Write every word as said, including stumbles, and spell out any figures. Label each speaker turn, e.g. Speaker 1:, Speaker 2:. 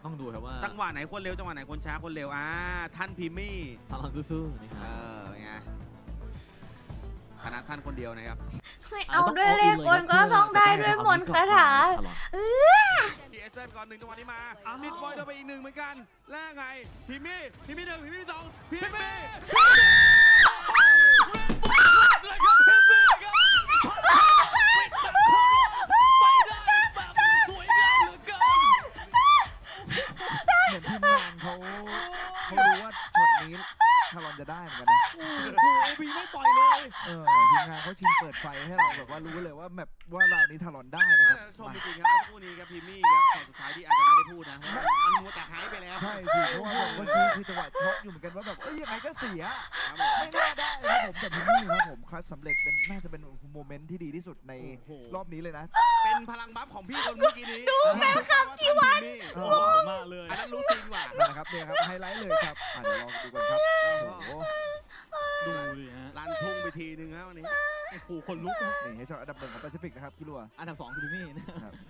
Speaker 1: ต้องดูครับว่า
Speaker 2: จังหวะไหนคนเร็วจังหวะไหนคนช้าคนเร็วอ่าท่านพิมมี่
Speaker 1: พลังซื่อๆนี่ค
Speaker 2: เอ
Speaker 1: รับ
Speaker 2: อไงคณะท่านคนเดียวนะครับ
Speaker 3: ไม่เอาด้วยเลขกลก็ต้องได้ด้วยมนต์คาถาเออ
Speaker 2: ดีเอสเซนก่อนหนึ่งจังหวะนี้มาติดบอยโดนไปอีกหนึ่งเหมือนกันแล้วไงพิมมี่พิมมี่หนึ่งพิมมี่สองพิมมี่
Speaker 4: เหมือนทีมงานเขาเขารู้ว่าช็อตนี้ทารอนจะได้เหมือนกันนะ
Speaker 1: โอ้บีไม่ปล่อยเลย
Speaker 4: เออทีมงานเขาชิงเปิดไฟให้เราแบบว่ารู้เลยว่าแบบว่าเรานี้ทารอนได้นะครับ
Speaker 2: ชมจริงๆครับเมื่อสักครู่นี้ครับพิมมี่ครับแต่สุดท้ายที่อาจจะไม่ได้พูดนะมันมัวแต่หายไปแล้ว
Speaker 4: ใช่สิเพราะว่าเมื่อกี้คือจังหวะช็อตอยู่เหมือนกันว่าแบบเอ้ยยังไงก็เสีย
Speaker 2: ครับผม
Speaker 4: ไม่น่าได้ครับผมแต่พิมมี่ครับผมคัดสำเร็จเป็นน่าจะเป็นโมเมนต์ที่ดีที่สุดในรอบนี้เลยนะ
Speaker 2: เป็นพลังบัฟของพี่คนเมื่อกี้นี้ดูแฟนคลับที่วัด
Speaker 4: เอ
Speaker 1: โอ้
Speaker 4: อ
Speaker 1: มากเลย
Speaker 2: อันนั้นรู้จริงว่ะ
Speaker 4: นะครับเนี่ยครับไฮไลท์เลยครับอ่ะเดี๋ยวลองดูกันครับโอ้โห
Speaker 1: ดูดิฮะ
Speaker 2: ลันทุ่งไปทีนึงครับวันนี้
Speaker 1: โอ้โหคนลุกนะ
Speaker 4: นี่ให้ช็อตอันดับหนึ่งของแปซิฟิกนะครับคิรัว
Speaker 1: อันดับสองคือพี่มี่นะครับ